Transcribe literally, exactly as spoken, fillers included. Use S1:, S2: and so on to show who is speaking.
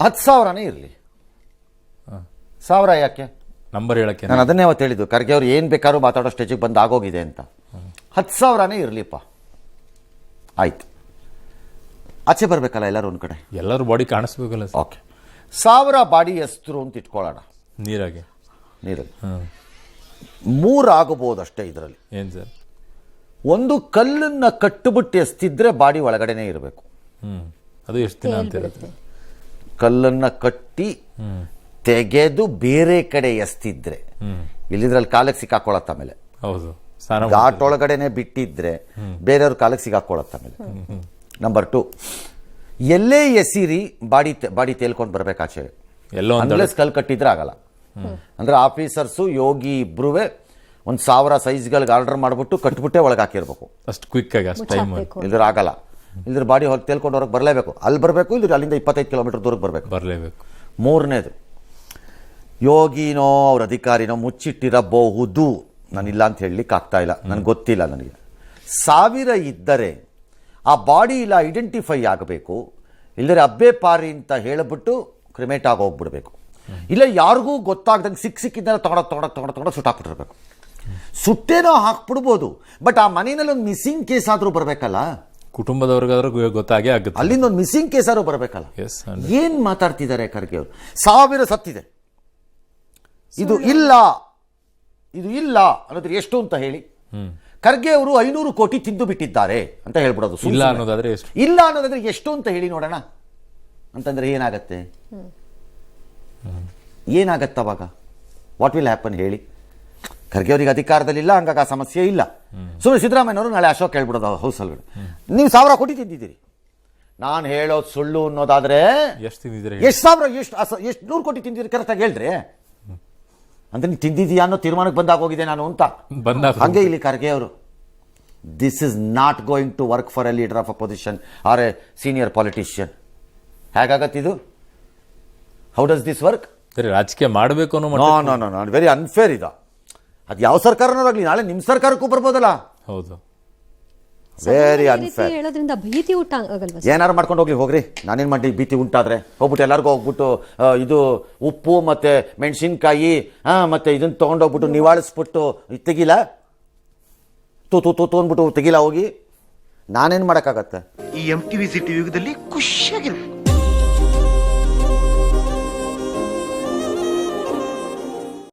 S1: ಹತ್ತು ಸಾವಿರನೇ ಇರಲಿ. ಸಾವಿರ ಯಾಕೆ
S2: ನಂಬರ್ ಹೇಳಕ್ಕೆ
S1: ನಾನು ಅದನ್ನೇ ಅವತ್ತು ಹೇಳಿದ್ದು, ಖರ್ಗೆ ಅವ್ರು ಏನು ಬೇಕಾದ್ರೂ ಮಾತಾಡೋ ಸ್ಟೇಜಿಗೆ ಬಂದು ಆಗೋಗಿದೆ ಅಂತ. ಹತ್ತು ಸಾವಿರನೇ ಇರಲಿಪ್ಪ, ಆಯ್ತು. ಆಚೆ ಬರಬೇಕಲ್ಲ ಎಲ್ಲರೂ ಒಂದು ಕಡೆ,
S2: ಎಲ್ಲರೂ ಬಾಡಿ ಕಾಣಿಸ್ಬೇಕಲ್ಲ.
S1: ಓಕೆ, ಸಾವಿರ ಬಾಡಿ ಎಸ್ತರು ಅಂತ ಇಟ್ಕೊಳ್ಳೋಣ
S2: ನೀರಾಗೆ,
S1: ನೀರಲ್ಲಿ ಮೂರು ಆಗಬಹುದು ಅಷ್ಟೇ. ಇದರಲ್ಲಿ
S2: ಏನು ಸರ್,
S1: ಒಂದು ಕಲ್ಲನ್ನು ಕಟ್ಟಿಬಿಟ್ಟು ಎಸ್ತಿದ್ರೆ ಬಾಡಿ ಒಳಗಡೆನೇ ಇರಬೇಕು.
S2: ಹ್ಮ್ ಅದು ಎಷ್ಟು ದಿನ ಅಂತ ಇರುತ್ತೆ?
S1: ಕಲ್ಲನ್ನು ಕಟ್ಟಿ ತೆಗೆದು ಬೇರೆ ಕಡೆ ಎಸ್ತಿದ್ರೆ, ಇಲ್ಲಿದ್ರಲ್ಲಿ ಕಾಲಕ್ಕೆ ಸಿಕ್ಕಾಕೊಳ್ಳತ್ತ ಆಮೇಲೆ.
S2: ಹೌದು,
S1: ಘಾಟ್ ಒಳಗಡೆನೆ ಬಿಟ್ಟಿದ್ರೆ ಬೇರೆಯವ್ರ ಕಾಲಕ್ಕೆ ಸಿಕ್ಕಾಕೊಳ್ಳತ್ತ ಆಮೇಲೆ. ನಂಬರ್ ಟು, ಎಲ್ಲೇ ಎಸಿರಿ ಬಾಡಿ ಬಾಡಿ ತೇಲ್ಕೊಂಡು ಬರ್ಬೇಕಾಚೆ,
S2: ಎಲ್ಲೋ
S1: ಅನ್ಲೆಸ್ ಕಲ್ ಕಟ್ಟಿದ್ರೆ ಆಗಲ್ಲ. ಅಂದ್ರೆ ಆಫೀಸರ್ಸು ಯೋಗಿ ಇಬ್ರು ಒಂದು ಸಾವಿರ ಸೈಜ್ಗಳಿಗೆ ಆರ್ಡರ್ ಮಾಡಿಬಿಟ್ಟು ಕಟ್ಬಿಟ್ಟೆ ಒಳಗೆ ಹಾಕಿರ್ಬೇಕು
S2: ಅಷ್ಟು ಕ್ವಿಕ್ ಆಗಿ, ಅಷ್ಟು ಟೈಮ್
S1: ಇಲ್ದ್ರೆ ಆಗಲ್ಲ. ಇಲ್ದ್ರೆ ಬಾಡಿ ಹೊರಗೆ ತೇಲ್ಕೊಂಡು ಹೊರಗೆ ಬರಲೇಬೇಕು, ಅಲ್ಲಿ ಬರಬೇಕು, ಇಲ್ದ್ರೆ ಅಲ್ಲಿಂದ ಇಪ್ಪತ್ತೈದು ಕಿಲೋಮೀಟರ್ ದೂರಕ್ಕೆ ಬರಬೇಕು,
S2: ಬರಲೇಬೇಕು.
S1: ಮೂರನೇದು, ಯೋಗಿನೋ ಅವ್ರ ಅಧಿಕಾರಿನೋ ಮುಚ್ಚಿಟ್ಟಿರಬಹುದು, ನಾನಿಲ್ಲ ಅಂತ ಹೇಳಲಿಕ್ಕೆ ಆಗ್ತಾ ಇಲ್ಲ, ನನಗೆ ಗೊತ್ತಿಲ್ಲ. ನನಗೆ ಸಾವಿರ ಇದ್ದರೆ ಆ ಬಾಡಿ ಇಲ್ಲ ಐಡೆಂಟಿಫೈ ಆಗಬೇಕು, ಇಲ್ಲದ್ರೆ ಅಬ್ಬೆ ಪಾರಿ ಅಂತ ಹೇಳಿಬಿಟ್ಟು ಕ್ರಿಮೇಟ್ ಆಗಿ ಹೋಗ್ಬಿಡ್ಬೇಕು. ಇಲ್ಲ ಯಾರಿಗೂ ಗೊತ್ತಾಗ್ದಂಗೆ ಸಿಕ್ ಸಿಕ್ಕಿದ್ದೆಲ್ಲ ತೊಗೊಂಡೋಗಿ ತೊಗೊಂಡೋಗಿ ತೊಗೊಂಡು ತೊಗೊಂಡು ಸುಟ್ಟಾಕ್ಬಿಟ್ಟಿರ್ಬೇಕು. ಸುಟ್ಟೇನೋ ಹಾಕ್ಬಿಡ್ಬೋದು, ಬಟ್ ಆ ಮನೆಯಲ್ಲಿ ಒಂದು ಮಿಸ್ಸಿಂಗ್ ಕೇಸ್ ಆದರೂ ಬರಬೇಕಲ್ಲ,
S2: ಕುಟುಂಬದವ್ರಿಗಾದ್ರೂ ಗೊತ್ತಾಗೇ ಆಗುತ್ತೆ.
S1: ಅಲ್ಲಿಂದ ಒಂದು ಮಿಸ್ಸಿಂಗ್ ಕೇಸ್ ಆದ್ರೂ ಬರಬೇಕಲ್ಲ.
S2: ಎಸ್,
S1: ಏನ್ ಮಾತಾಡ್ತಿದ್ದಾರೆ ಖರ್ಗೆ ಅವರು? ಸಾವಿರ ಸತ್ತಿದೆ, ಇದು ಇಲ್ಲ ಇದು ಇಲ್ಲ ಅನ್ನೋದ್ರೆ ಎಷ್ಟು ಅಂತ ಹೇಳಿ. ಖರ್ಗೆ ಅವರು ಐನೂರು ಕೋಟಿ ತಿಂದು ಬಿಟ್ಟಿದ್ದಾರೆ ಅಂತ ಹೇಳ್ಬಿಡೋದು.
S2: ಇಲ್ಲ ಅನ್ನೋದಾದ್ರೆ ಎಷ್ಟು?
S1: ಇಲ್ಲ ಅನ್ನೋದಾದ್ರೆ ಎಷ್ಟು ಅಂತ ಹೇಳಿ ನೋಡೋಣ ಅಂತಂದ್ರೆ ಏನಾಗತ್ತೆ? ಏನಾಗತ್ತ ಅವಾಗ? ವಾಟ್ ವಿಲ್ ಹ್ಯಾಪನ್ ಹೇಳಿ? ಖರ್ಗೆ ಅವರಿಗೆ ಅಧಿಕಾರದಲ್ಲಿಲ್ಲ, ಹಂಗಾಗಿ ಆ ಸಮಸ್ಯೆ ಇಲ್ಲ. ಸುಮ್ಮನೆ ಸಿದ್ದರಾಮಯ್ಯನವರು ನಾಳೆ ಅಶೋಕ್ ಹೇಳ್ಬಿಡೋದು ಹೌಸಲ್ಲಿ, ನೀವು ಸಾವಿರ ಕೋಟಿ ತಿಂದಿದ್ದೀರಿ, ನಾನು ಹೇಳೋದು ಸುಳ್ಳು ಅನ್ನೋದಾದ್ರೆ
S2: ಎಷ್ಟು ತಿಂದಿದ್ರೆ,
S1: ಎಷ್ಟು ಸಾವಿರ, ಎಷ್ಟು ಎಷ್ಟು ನೂರು ಕೋಟಿ ತಿಂದಿದ್ದೀರಿ ಕರೆಕ್ಟಾಗಿ ಹೇಳ್ರಿ ಅಂದ್ರೆ ನೀವು ತಿಂದಿದ್ದೀಯಾ ಅನ್ನೋ ತೀರ್ಮಾನಕ್ಕೆ ಬಂದಾಗ ಹೋಗಿದೆ ನಾನು ಅಂತ. ಹಂಗೆ ಇಲ್ಲಿ ಖರ್ಗೆ ಅವರು, this is not going to work for a leader of opposition or a senior politician. ಹೇಗಾಗತ್ತಿದು? How does this work?
S2: ರಾಜಕೀಯ ಮಾಡಬೇಕು ಅನ್ನೋ
S1: no no no no very unfair ಇದು. ಅದು ಯಾವ ಸರ್ಕಾರನಾಗಲಿ ನಾಳೆ ನಿಮ್ಮ ಸರ್ಕಾರಕ್ಕೂ ಬರ್ಬೋದಲ್ಲ.
S2: ಹೌದು,
S1: ವೆರಿ ಅನ್ಫೇರ್.
S3: ಹೇಳೋದ್ರಿಂದ ಭೀತಿ ಉಂಟ ಆಗಲ್ವಾ?
S1: ಏನಾರು ಮಾಡ್ಕೊಂಡು ಹೋಗ್ಲಿ, ಹೋಗ್ರಿ, ನಾನೇನು ಮಾಡಿ ಭೀತಿ ಉಂಟಾದ್ರೆ ಹೋಗ್ಬಿಟ್ಟು ಎಲ್ಲರಿಗೂ ಹೋಗ್ಬಿಟ್ಟು ಇದು ಉಪ್ಪು ಮತ್ತೆ ಮೆಣಸಿನ್ಕಾಯಿ ಮತ್ತೆ ಇದನ್ನ ತೊಗೊಂಡೋಗ್ಬಿಟ್ಟು ನಿವಾಳಿಸ್ಬಿಟ್ಟು ತೆಗಿಲ್ಲ, ತೂ ತೂ ತೂ ಅಂದ್ಬಿಟ್ಟು ತೆಗಿಲ್ಲ ಹೋಗಿ, ನಾನೇನು ಮಾಡೋಕ್ಕಾಗತ್ತೆ?
S4: ಈ ಎಂ ಟಿವಿ ಸಿಟಿ ಯುಗದಲ್ಲಿ ಖುಷಿಯಾಗಿರ್ಬೇಕು.